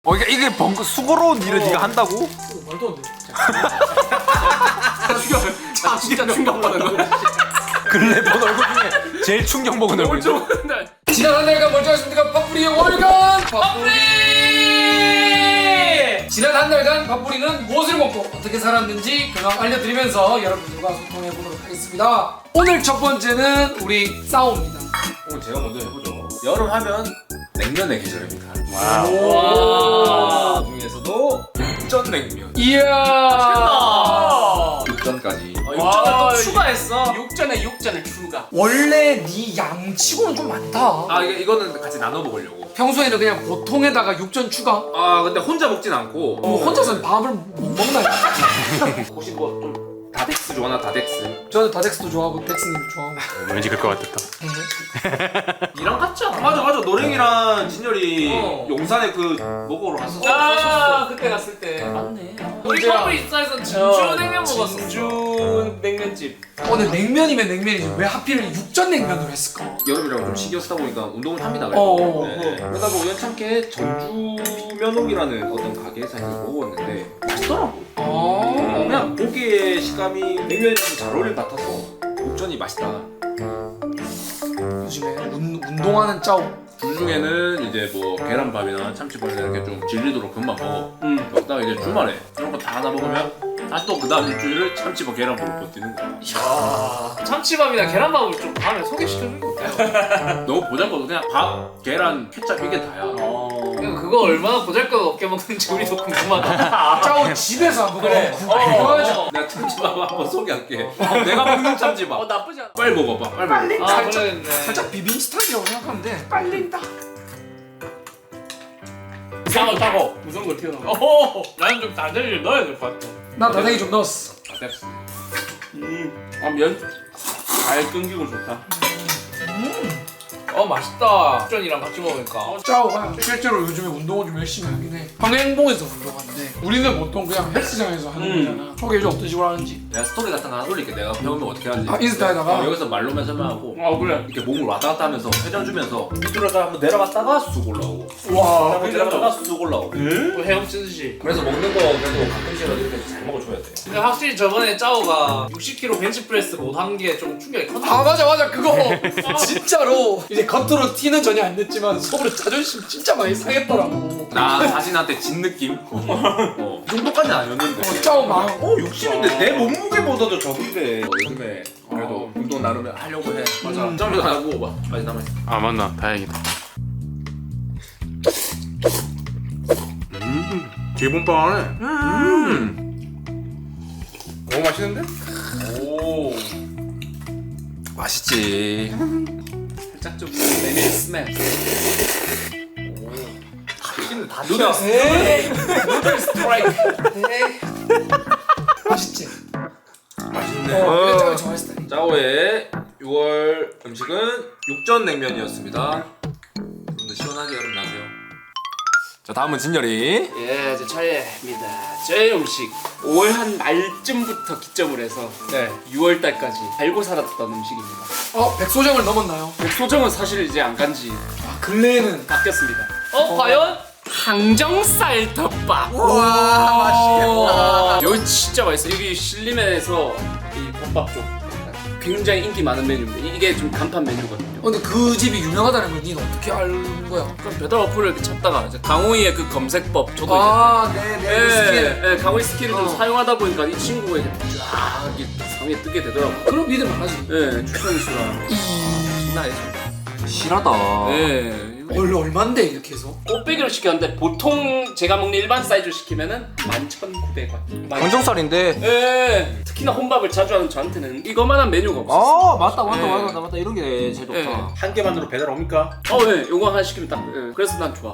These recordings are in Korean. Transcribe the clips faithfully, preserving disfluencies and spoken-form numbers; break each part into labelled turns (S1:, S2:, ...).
S1: 어 이게 이게 번거 수고로운 일을
S2: 어.
S1: 네가 한다고?
S2: 말도 안 돼.
S3: 아 진짜 충격받은 거.
S1: 근래 본 얼굴 중에 제일 충격 먹은 얼굴이죠?
S2: 지난 한 달간 멀쩡하셨습니까? 밥풀이의 월간 밥풀이. 지난 한 달간 밥풀이는 무엇을 먹고 어떻게 살았는지 그만 알려드리면서 여러분들과 소통해 보도록 하겠습니다. 오늘 첫 번째는 우리 싸움입니다.
S1: 오늘 제가 먼저 해보죠. 여름 하면 냉면의 계절입니다.
S2: 와.
S1: 그 중에서도 육전냉면.
S2: 이야.
S1: 육전까지.
S3: 육전을 또
S2: 와,
S3: 추가했어. 육전에 육전을 추가.
S2: 원래 네 양치고는 좀 많다.
S1: 아 이게 이거는 같이 나눠 먹으려고.
S2: 평소에는 그냥 보통에다가 육전 추가.
S1: 아 근데 혼자 먹진 않고.
S2: 뭐 혼자서는 밥을 못 먹나요?
S1: 혹시 뭐좀 다덱스 좋아하나 다덱스?
S2: 저는 다덱스도 좋아하고 덱스님도 좋아하고.
S4: 왠지 그럴 것 같았다.
S3: 이랑 같지 않아?
S1: 맞아 맞아 노랭이랑 진열이
S3: 어.
S1: 용산에 그 먹으러 갔었어.
S3: 아 그때 갔을 때 맞네. 우리
S2: 언제야?
S3: 커플 입사에서 진주
S2: 어,
S3: 냉면 먹었어.
S2: 진주
S3: 냉면집.
S2: 어, 근데 냉면이면 냉면이지 왜 하필 육전 냉면으로 했을까?
S1: 여름이라고 좀 신경 쓰다 보니까 운동을 합니다.
S2: 어, 어,
S1: 네. 그러다 보면 우연찮게 전주면옥이라는 어떤 가게에서 이제 먹었는데 맛있더라고.
S2: 어.
S1: 그냥 고기의 식감이 냉면이랑 잘 어울릴 것 같아서 육전이 맛있다.
S2: 요즘에 운, 운동하는 짜오.
S1: 주 중에는 이제 뭐 계란밥이나 참치밥이나 이렇게 좀 질리도록 금방 먹어.
S3: 응.
S1: 먹다가 이제 주말에 이런 거 다 하나 먹으면 다시 또 그 다음 일주일을 참치밥 계란밥으로 버티는 거야.
S3: 야 참치밥이나 계란밥을 좀 다음에 소개시켜주는 거 어때요?
S1: 너무 보잘것없어. 그냥 밥, 계란, 케찹 이게 다야.
S3: 어. 그거 얼마나 보잘것없게 먹는지 우리도 궁금하다.
S2: 짜오 집에서 한번
S3: 그래.
S2: 구워야지.
S3: 어.
S1: 내가 참치밥 한번 소개할게. 내가 먹는 참치밥.
S3: 어 나쁘지 않아.
S1: 빨리 먹어봐. 빨리 먹어.
S3: 아
S2: 살짝,
S3: 그러겠네.
S2: 살짝 비빔 스타일이라고 생각하면 돼.
S3: 빨린다. 싸워 따고 무서운 걸 튀어나와. 오, 나는 좀 다대기를 넣어야 될 것 같아.
S2: 나 다대기 좀 넣었어.
S1: 다 됐어.
S3: 음, 아면잘 끊기고 좋다. 음, 어 맛있다. 육전이랑 같이 먹으니까. 어,
S2: 짜오가 실제로 요즘에 운동을 좀 열심히 하긴 해. 평행봉에서 운동하는데 우리는 보통 그냥 헬스장에서 하는
S3: 음.
S2: 거잖아. 소개해줘 어떤 식으로 하는지.
S1: 내가 스토리 같은 거 하나 올릴게. 내가 배우면 어떻게 하는지.
S2: 아, 인스타에다가?
S1: 어, 여기서 말로만 설명하고
S3: 아 그래.
S1: 이렇게 몸을 왔다 갔다 하면서 회전 주면서 밑으로다가 한번 내려갔다가 쑥 올라오고
S2: 와.
S1: 한번 내려갔다가 쑥 올라오고.
S3: 뭐 헤엄치듯이.
S1: 그래서 먹는 거 그래도 가끔씩이라도 이렇게 잘 먹어줘야 돼.
S3: 근데 확실히 저번에 짜오가 육십 킬로그램 벤치프레스 못 한 게 좀 충격이 컸나?
S2: 아 맞아 맞아 그거 진짜로 이제 겉으로 티는 전혀 안 냈지만 속으로 자존심 진짜 많이 상했더라고.
S1: 나 자신한테 진 느낌? 어, 이 정도까지는 아니었는데.
S2: 어, 짜오 마음.
S1: 어 육십인데 내 몸무게보다도 적은데. 어, 요즘에 그래도 운동 나름 하려고 해. 맞아. 음. 짬도 안 하고 막 많이 남았어.
S4: 아 맞나? 다행이다. 음, 기본빵하네.
S1: 음.
S4: 너무 맛있는데?
S1: 오. 맛있지.
S3: 살짝 좀 메밀 스멜.
S1: 맛있는 다
S3: 누들 누들 스트라이크.
S2: 맛있지?
S1: 맛있네.
S2: 어, 이거 짜오 좋아할 스타일.
S1: 짜오의 유월 음식은 육전냉면이었습니다. 여러분들 시원하게 여름 나세요. 자 다음은 진열이.
S3: 예, 제 차례입니다. 제 음식 오월 한 말쯤부터 기점으로 해서 네, 유월 달까지 알고 살았던 음식입니다.
S2: 어 백소정을 넘었나요?
S3: 백소정은 사실 이제 안 간지
S2: 아 근래에는
S3: 바뀌었습니다. 어, 과연? 항정살 덮밥.
S2: 와
S3: 맛있겠다. 이거 진짜 맛있어. 여기 신림에서 이 덮밥 쪽 굉장히 인기 많은 메뉴인데 이게 좀 간판 메뉴거든요.
S2: 어, 근데 그 집이 유명하다는 걸 니는 어떻게 알 거야?
S3: 그럼 배달 어플을 이렇게 찾다가 이제 강호이의 그 검색법 저도
S2: 아
S3: 이제
S2: 네네
S3: 예,
S2: 스킬.
S3: 예, 강호이 스킬을 좀
S2: 어.
S3: 사용하다 보니까 이 친구가 이제 쫙 이렇게 상에 뜨게 되더라고요.
S2: 그럼 믿을만 하지.
S3: 예, 추천 수랑 장난 아니죠.
S1: 실하다.
S3: 예.
S2: 원래 얼만데 이렇게 해서?
S3: 꽃배기로 시켰는데 보통 제가 먹는 일반 사이즈로 시키면은 만 천구백 원.
S1: 항정살인데.
S3: 예. 특히나 혼밥을 자주 하는 저한테는 이거만한 메뉴가 없어요.
S1: 아 맞다 맞다
S3: 예.
S1: 맞다 맞다 이런 게 제일 좋다.
S3: 예.
S1: 한 개만으로 배달 옵니까?
S3: 어, 예. 요거 하나 시키면 딱. 예. 그래서 난 좋아.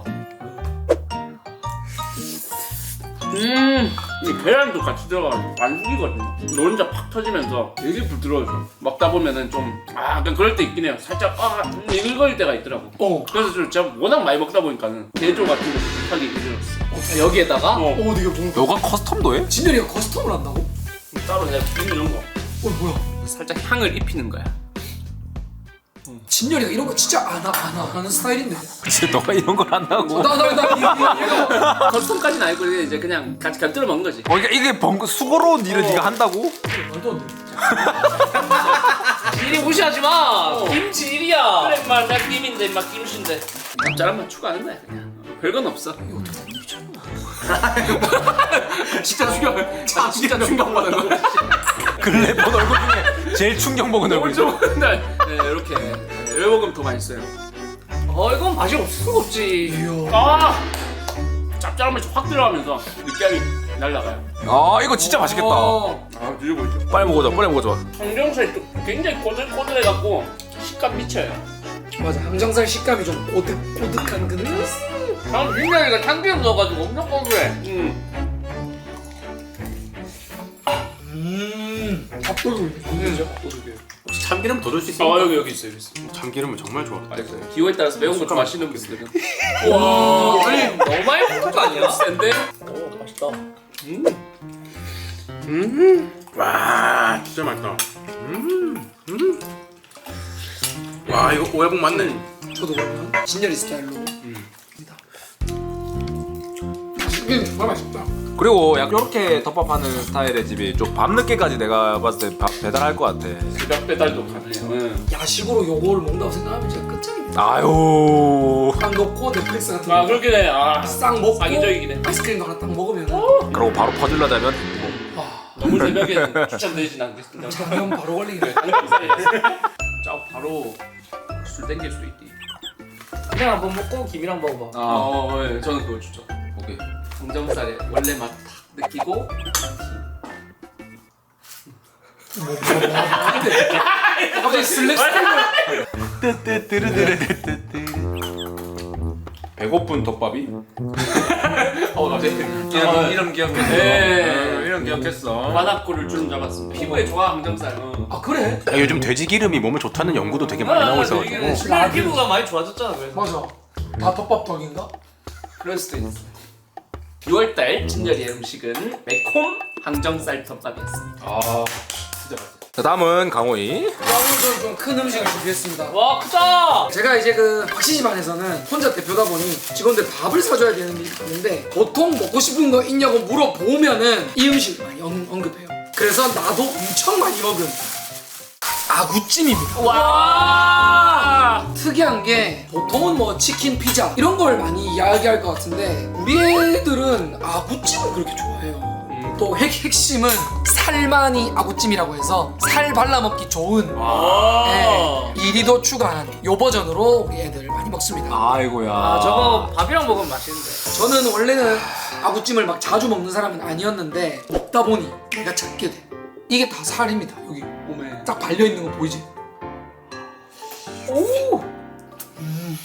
S3: 음, 이 계란도 같이 들어가서 완숙이거든요. 노른자 팍 터지면서 되게 부드러워져. 먹다 보면은 좀, 아, 약간 그럴 때 있긴 해요. 살짝, 아, 이글거릴 때가 있더라고.
S2: 어.
S3: 그래서 좀 제가 워낙 많이 먹다 보니까는 게조 같은 거 하기 힘들었어. 여기에다가
S2: 어 근데 이게 뭔가
S1: 너가 커스텀도 해?
S2: 진열이가 커스텀을 한다고?
S3: 따로 내가 비빔 이런 거
S2: 어 뭐야?
S3: 살짝 향을 입히는 거야.
S2: 진열이가 이런 거 진짜 안, 하, 안 하는 스타일인데.
S5: 진짜 너가 이런 걸 한다고?
S2: 나나나
S3: 커스텀까지는 아니고 이제 그냥 같이 곁들여 먹는 거지.
S5: 어, 그러니까 이게 번 수고로운 일을 네가 한다고?
S6: 일이 무시하지 마. 김치 일이야.
S3: 그래 인마 나 김인데 인마 김신데 짭짤한 맛 추가하는 거야 그냥. 별건 없어. 진짜 충격. 아, 진짜 충격받은 거.
S5: 근래 본 얼굴 중에 제일 충격 먹은 얼굴이죠.
S3: 네, 이렇게 이렇게 먹으면 더 맛있어요.
S6: 어 이건 맛이 없을 수가 없지.
S3: 아, 짭짤한 맛이 확 들어가면서 느끼함이 날라가요.
S5: 아 이거 진짜 맛있겠다.
S2: 어.
S3: 아, 드셔보시죠.
S5: 빨리 먹어줘, 빨리 먹어줘.
S3: 항정살이 또 굉장히 꼬들꼬들해갖고 식감 미쳐요.
S2: 맞아, 항정살 식감이 좀 고득고득한 그.
S6: 난 민나이가 참기름 넣어가지고 엄청 고소해.
S3: 음.
S2: 음. 밥도둑. 그죠?
S4: 혹시 참기름 더 줄 수
S3: 아
S4: 있어?
S3: 여기 여기 있어요, 여기 있어.
S4: 참기름은 정말 좋아.
S3: 기호에 따라서 매운 거 좋아하시는 분들은.
S6: 와, 아니 너무 많이 먹는 거 아니야?
S3: 센데?
S6: 오 맛있다.
S4: 와 진짜 맛있다. 음, 음. 와 이거 오야복 맞네.
S2: 저도 그러면 진열이 스타일로. 이게 정말 맛있다.
S5: 그리고 약 이렇게 덮밥하는 스타일의 집이 좀 밤늦게까지 내가 봤을 때 밥 배달할 것 같아.
S3: 새벽 배달도 가능해요. 응.
S2: 야식으로 요거를 먹는다고 생각하면 진짜 끝장입니다.
S5: 아유.
S2: 딱 넣고 넷플릭스 같은
S3: 아
S2: 거
S3: 그렇게 돼. 아
S2: 싹 먹고
S3: 사기적이긴 해.
S2: 아이스크림도 하나 딱 먹으면
S5: 그러고 바로 퍼질러자면
S3: 너무 새벽에 추천드리진 않겠습니다.
S2: 잠깐 바로 걸리네.
S3: 짜 바로 술 땡길 수도 있디.
S6: 그냥 한번 먹고 김이랑 먹어봐.
S3: 아, 어, 예, 저는 그걸 추천. 오케이. 항정살의 원래 맛 딱 느끼고.
S2: 갑자기 슬랩
S1: 배고픈 덮밥이?
S3: 어, 갑자기.
S1: 이름, 이름 기억했어.
S3: 네.
S1: 어, 이름 기억했어.
S3: 바닥골을 주름 잡았습니다. 피부에 좋아 항정살. 어.
S2: 아 그래?
S4: 아, 요즘 돼지 기름이 몸에 좋다는 연구도 되게 많이 나오고 있어가지고.
S6: 신발 피부가 많이 좋아졌잖아. 그래서.
S2: 맞아. 다 덮밥 덕인가?
S3: 그럴 수도 있어. 유월달 진열이의 음식은 매콤 항정살 덮밥이었습니다.
S1: 아, 진짜 맛있어.
S5: 자 다음은 강호이.
S2: 오늘 저는 좀 큰 음식을 준비했습니다.
S6: 와 크다.
S2: 제가 이제 그 박시집안에서는 혼자 대표다 보니 직원들 밥을 사줘야 되는 일이 있는데 보통 먹고 싶은 거 있냐고 물어보면은 이 음식을 많이 언, 언급해요. 그래서 나도 엄청 많이 먹은 아구찜입니다.
S3: 와!
S2: 특이한 게 보통은 뭐 치킨, 피자 이런 걸 많이 이야기할 것 같은데 우리 애들은 아구찜을 그렇게 좋아해요. 또 핵, 핵심은 살만이 아구찜이라고 해서 살 발라먹기 좋은 네, 이리도 추가한 요 버전으로 우리 애들 많이 먹습니다.
S5: 아이고야.
S6: 아 저거 밥이랑 먹으면 맛있는데.
S2: 저는 원래는 아구찜을 막 자주 먹는 사람은 아니었는데 먹다 보니 내가 찾게 돼. 이게 다 살입니다. 여기 몸에 딱 발려있는 거 보이지? 오! 음.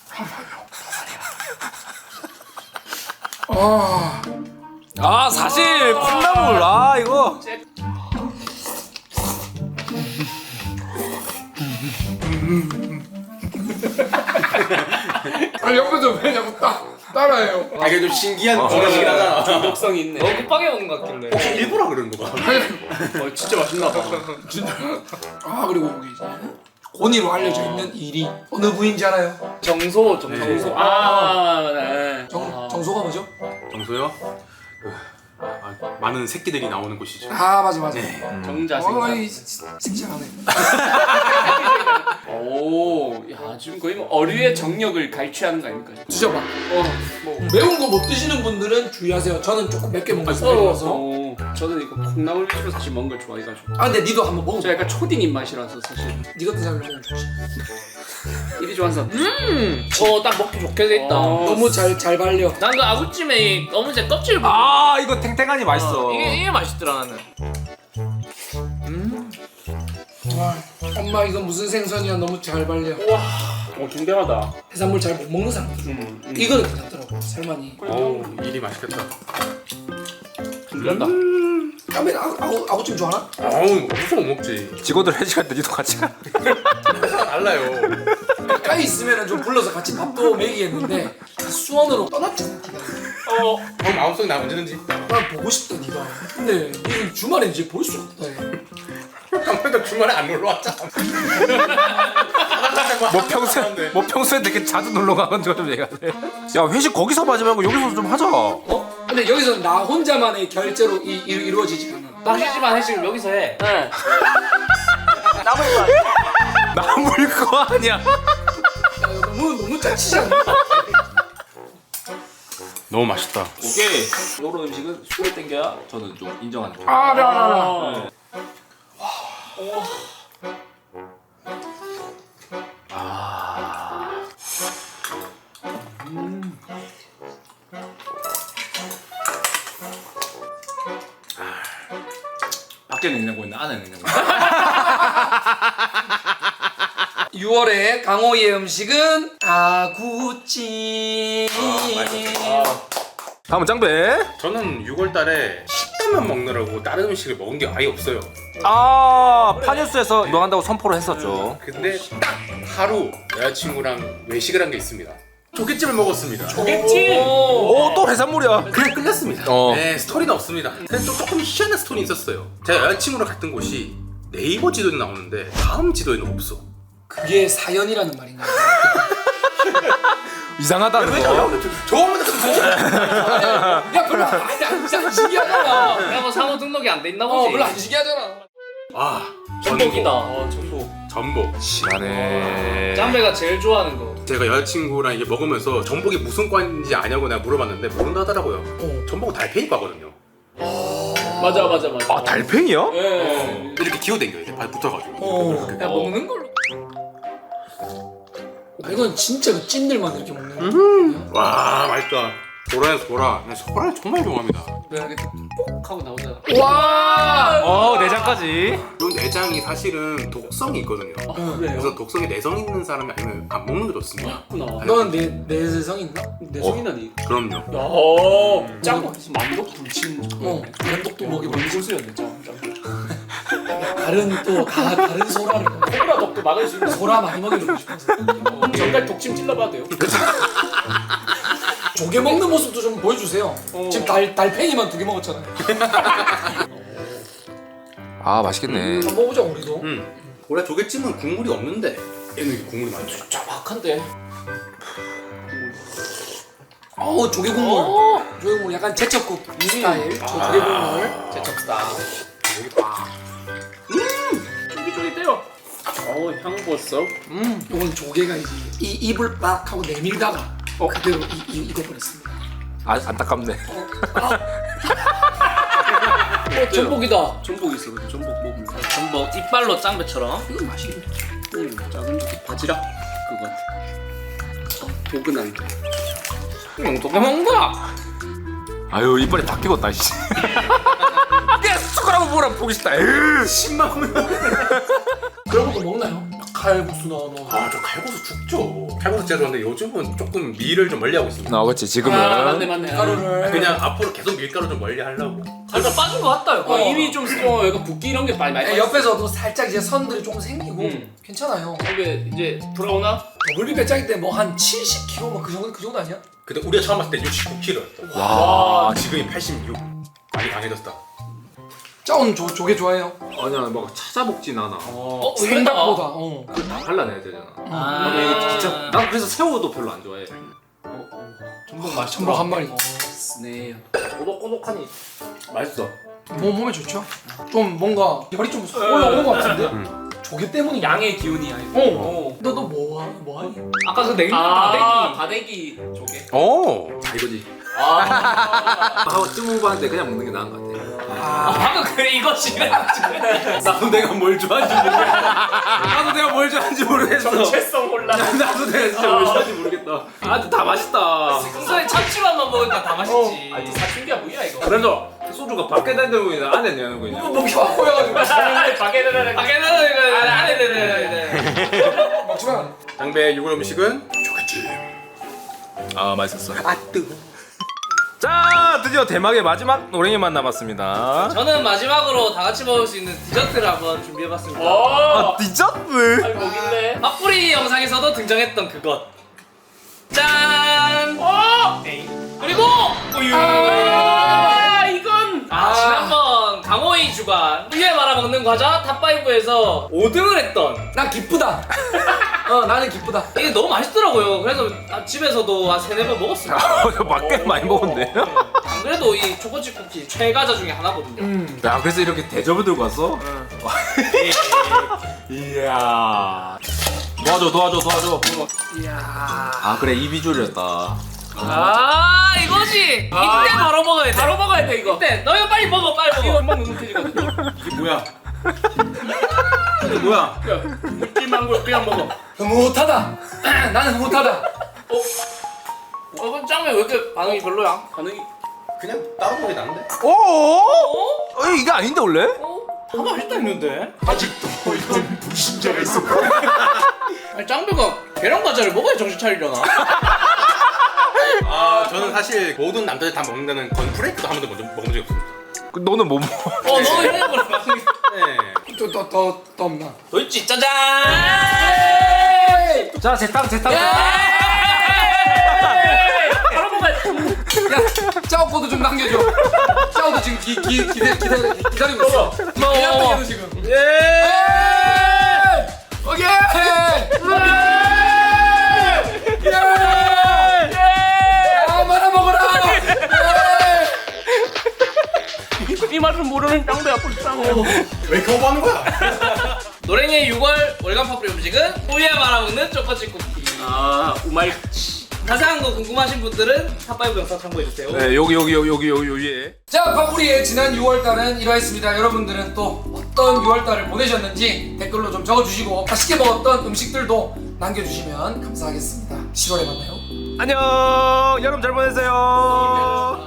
S2: 아,
S5: 아 사실 콩나물 아 이거.
S2: 아니 옆에서 왜 자꾸 따, 따라해요?
S4: 아 이게 좀 신기한
S5: 어.
S4: 버릇이긴 하잖아.
S3: 중독성이 있네.
S6: 너무 급하게 먹는 것 같길래.
S4: 혹시 일부러 그러는 거 봐.
S3: 어, 진짜 맛있나 봐.
S2: 아 그리고 여기 이제 고니로 알려져 있는 일이 어느 부위인지 알아요?
S6: 정소 정소.
S4: 네.
S3: 아, 네.
S2: 정, 정소가 뭐죠?
S4: 정소요? 그, 아, 많은 새끼들이 나오는 곳이죠.
S2: 아 맞아 맞아.
S4: 네.
S3: 정자
S2: 어,
S3: 생각.
S2: 이 칭찬하네.
S3: 오, 야 지금 거의 뭐 어류의 정력을 갈취하는 거 아닙니까?
S2: 드셔봐.
S3: 어, 뭐.
S2: 매운 거 못 드시는 분들은 주의하세요. 저는 조금 맵게 먹는 스타일이라서.
S3: 어, 저는 이거 콩나물 위주로 사실 먹는 걸 좋아해가지고.
S2: 아 근데 니도 한번 먹어봐.
S3: 저 약간 초딩 입맛이라서 사실
S2: 니 같은 사람이 먹으면 좋지.
S3: 일이 좋아서.
S6: 음. 어딱 먹기 좋게 돼 있다.
S3: 어.
S2: 너무 잘 잘 발려.
S6: 난 그 아구찜에 검은색 껍질 부분.
S5: 아 이거 탱탱하니 맛있어.
S6: 이게 이게 맛있더라 나는.
S2: 와, 엄마 이거 무슨 생선이야? 너무 잘 발려.
S3: 어, 중대하다.
S2: 해산물 잘 못 먹는 사람들.
S3: 음, 음.
S2: 이거는 괜찮더라고. 살만이.
S4: 어우 일이 맛있겠다.
S3: 중대하다.
S2: 까메 아구, 아구, 아구찜 좋아하나?
S4: 어우 무슨 못 먹지.
S5: 직원들 회식할 때 니도 같이 가.
S4: 달라요.
S2: 가까이 있으면 좀 불러서 같이 밥도 먹이겠는데 수원으로 떠났잖아. 니가.
S3: 어,
S4: 그럼 마음속에 나 언제든지.
S2: 난 보고 싶다 니가. 근데 니는 주말에 이제 볼 수 없다. 얘.
S4: 그럼 장면도 주말에 안 놀러 왔잖아.
S5: 뭐 평소에 뭐 평소에 되게 자주 놀러 가는 거좀 얘기하네. 야 회식 거기서 하지 말고 여기서 좀 하자.
S2: 어? 근데 여기서 나 혼자만의 결제로 이, 이, 이루어지지 않아.
S6: 낚시지만 회식을 여기서 해.
S3: 네.
S5: 남을 거 아니야.
S2: 야, 너무 너무 짜치지 않나?
S4: 너무 맛있다.
S5: 오케이. 요런 음식은 술에 땡겨야 저는 좀 인정하는 거.
S2: 아, 나, 나, 나.
S5: 밖에는 냉장고 있는데 안에는 냉장고.
S2: 유월의 강호이의 음식은 아구찜.
S5: 다음은 짱배.
S4: 저는 유월달에 식단만 먹느라고 다른 음식을 먹은 게 아예 없어요.
S5: 아 파뉴스에서 운동한다고 선포를 했었죠.
S4: 근데 딱 하루 여자친구랑 외식을 한 게 있습니다. 조개찜을 먹었습니다.
S6: 조개찜.
S5: 오 또 해산물이야.
S4: 그냥 끝났습니다.
S5: 어.
S4: 네, 스토리는 없습니다. 근데 좀 조금 희한한 스토리 있었어요. 제가 여자친구랑 갔던 곳이 네이버 지도에 나오는데 다음 지도에는 없어.
S2: 그게 사연이라는 말인가?
S5: 이상하다는 거.
S4: 저거만
S2: 야 별로 아니 안 신기하잖아.
S6: 야, 뭐 상호 등록이 안 돼 있나
S2: 어
S6: 보지.
S2: 별로 안 신기하잖아.
S4: 아
S6: 전복이다.
S4: 전복.
S6: 어, 전복.
S4: 전복.
S5: 시간에.
S6: 짱배가 제일 좋아하는 거.
S4: 제가 여자친구랑 이게 먹으면서 전복이 무슨 과인지 아냐고 내가 물어봤는데 모른다 하더라고요.
S2: 어.
S4: 전복은 달팽이과거든요.
S6: 맞아, 맞아, 맞아.
S5: 아 달팽이야?
S6: 예.
S4: 이렇게 기어댕겨 이제 발 붙어가지고.
S2: 어. 야 먹는 걸로. 아, 이건 진짜 그 찐들만 이렇게 먹는 거야.
S4: 와 맛있다. 소라야 소라. 나 소라를 정말 좋아합니다.
S6: 내가 이렇게 뽁 하고 나오잖아.
S2: 와.
S5: 어 내장까지.
S4: 이 내장이 사실은 독성이 있거든요.
S6: 그래요?
S4: 그래서 독성에 내성 있는 사람이 아니면 안 먹는 게 좋습니다.
S6: 구나.
S2: 너는 내 내세성 있나?
S6: 내 성이나니.
S4: 그럼요.
S6: 야, 짱 만독 불친.
S2: 어. 면독도 먹이
S6: 뭔 소스였네, 짱. 짱.
S2: 다른 또 다 다른 소라를
S6: 코브라 독도 막을 수 있는
S2: 소라 많이 먹여주고 싶어서.
S6: 정갈 독침 찔러봐도 돼요.
S2: 조개 먹는 모습도 좀 보여주세요.
S6: 어.
S2: 지금 달 달팽이만 두 개 먹었잖아요.
S5: 아 맛있겠네.
S2: 한번 먹어보자 우리도.
S4: 음. 원래 조개찜은 국물이 없는데 얘는 이게 국물이 많죠.
S6: 짜박한데.
S2: 어우 조개 국물.
S6: 어.
S2: 조개 국물 약간 제첩국 스타일. 저 조개 국물.
S6: 제첩스타.
S4: 여기 봐.
S6: 쫄깃쫄깃해요. 어우, 향 벌써.
S2: 음. 요건 조개가 이제 이 입을 빡 하고 내밀다가
S6: 어.
S2: 그대로 이, 이 익어버렸습니다.
S5: 아 안타깝네.
S6: 어, 전복이다. 전복 있어, 근데 전복 먹을. 전복 이빨로 짱배처럼.
S2: 이건 맛있겠네.
S6: 음, 작은 바지락 그거. 어, 포근한데. 음, 어떻게 먹는다?
S5: 아유 이빨이 다 끼웠다 씨. 야 숟가락으로 뭐라 보기 싫다. 에이.
S4: 십만 원.
S2: 그런 것도 먹나요? 칼국수나 뭐.
S4: 아저 칼국수 죽죠. 칼국수 진짜 좋아하는데 요즘은 조금 밀을 좀 멀리하고 있습니다.
S5: 아 그렇지 지금은.
S6: 아, 맞네, 맞네.
S2: 가루를.
S4: 그냥 앞으로 계속 밀가루 좀 멀리 하려고.
S6: 살짝 빠진 것 같다.
S2: 어.
S6: 입이 좀, 좀 약간 붓기 이런 게 많이 많이.
S2: 네, 옆에서도 살짝 이제 선들이 조금 생기고
S6: 음.
S2: 괜찮아요.
S6: 이게 이제 돌아오나?
S2: 더블비 배짱이 때 뭐 한 칠십 킬로그램 뭐 그 정도 그 정도 아니야?
S4: 근데 우리가 처음 봤을 때 육십구 킬로그램였다.
S5: 와.
S4: 지금이 팔십육. 많이 강해졌다.
S2: 짜온 조 조개 좋아해요?
S5: 아니야 뭐 찾아먹진 않아.
S6: 어,
S2: 생각보다. 어.
S5: 다 발라내야 되잖아.
S6: 아,
S5: 근데 이거 진짜 난 그래서 새우도 별로 안 좋아해.
S6: 전복 맛있.
S2: 전복 한 마리.
S6: 네. 꼬독꼬독하니.
S4: 맛있어.
S2: 뭐 몸에 좋죠? 좀 뭔가 열이 좀 올라오는 것 같은데? 조개 때문이
S6: 양의 기운이 아니고.
S2: 어. 너너 뭐 하- 뭐 하니?
S6: 아까 그 냉면
S5: 아.
S6: 다대기. 다대기 조개.
S5: 오. 자 이거지.
S6: 아.
S5: 하고 찜무반한테 그냥 먹는 게 나은 것 같아.
S6: 아, 방금 그래 이거지.
S5: 나도 내가 뭘 좋아하는지 모르겠어. 나도 내가 뭘 좋아하는지 모르겠어.
S6: 정체성 혼란.
S5: 나도 내가 진짜 뭘 좋아하는지 모르겠다. 아, 근데 다 맛있다.
S6: 순서에 참치만만 먹으니까 다 맛있지.
S5: 아니,
S6: 사춘기야 뭐야 이거.
S5: 그래서 소주가 밖에 다니는 거냐 안에 내는 거냐.
S2: 목이 확 꼬여가지고
S6: 바게르르 바게르르 이거 안에르르.
S2: 먹지만
S4: 장배 유골 음식은 조개찜.
S5: 아 맛있었어.
S2: 아 뜨거.
S5: 자 드디어 대망의 마지막 노랭이만 남았습니다.
S6: 저는 마지막으로 다 같이 먹을 수 있는 디저트를 한번 준비해봤습니다.
S5: 아 디저트.
S6: 아니 뭐길래? 맛뿌리 영상에서도 등장했던 그것. 짠. 어. 그리고 우유. 아 이건 아 지난번 강호이 주간 이게 말하면 말아먹는 과자 탑오에서 오 등을 했던
S2: 난 기쁘다. 어 나는 기쁘다.
S6: 이게 너무 맛있더라고요. 그래서 나 집에서도 한 세네 번 먹었습니다.
S5: 밖에 많이 먹었네.
S6: 안 그래도 이 초코칩 쿠키 최과자 중에 하나거든요.
S2: 음.
S5: 야 그래서 이렇게 대접을 들고 왔어? 이야. 도와줘 도와줘 도와줘.
S2: 이야.
S5: 아 그래 이 비주얼이었다.
S6: 아 이거지. 이때 바로 먹어야 돼. 바로 먹어야 돼 이거. 이때 너 이거 빨리 먹어 빨리 먹어. 이거 금방 눅눅해지거든.
S1: 이게 뭐야? 이게 뭐야?
S3: 묻지만 걸 그냥 먹어.
S2: 흐뭇하다. 나는 흐뭇하다.
S6: 어? 어 그럼 짱맨 왜 이렇게 반응이 별로야?
S3: 반응이
S4: 그냥 따로 먹이 나는데?
S5: 오? 어? 이게 아닌데 원래?
S6: 어? 다 맛있다 했는데.
S1: 아직도 이런 불신자가 있어.
S6: 아니 짱배가 계란 과자를 먹어야 정신 차리려나?
S4: 아 저는 사실 모든 남자들 다 먹는다는 건프레이크도 한 번도 먼저 먹어본 적이 없습니다.
S5: 그 너는 뭐 먹어?
S6: 어 너는 이런 거랑 반응이
S4: 네.
S2: 또또또 또 없나?
S6: 더 있지 짜잔!
S5: 자 제탕 제탕.
S6: 바로 먹어야 돼.
S2: 야 짜오코도 좀 남겨줘. 짜오도 지금 기, 기, 기대, 기대, 기다리고 있어.
S6: 먹어.
S2: 기다리고 지금.
S6: 예!
S2: 오케이. 예. 아 말아 먹어라.
S3: 이 맛을 모르는 짱배야 불쌍해.
S4: 왜 이렇게 오버하는 거야?
S6: 노랭이의 유월 월간 파프리 음식은 우유에 말아먹는 초코칩 쿠키.
S3: 아 우마이.
S6: 자세한 거 궁금하신 분들은 탑오 영상 참고해주세요.
S5: 네 여기 여기 여기 여기 여기 여기에.
S2: 자, 파프리의 지난 유월달은 이러했습니다. 여러분들은 또 어떤 유월달을 보내셨는지 댓글로 좀 적어주시고 맛있게 먹었던 음식들도 남겨주시면 감사하겠습니다. 칠월에 만나요.
S5: 안녕 여러분 잘 보내세요.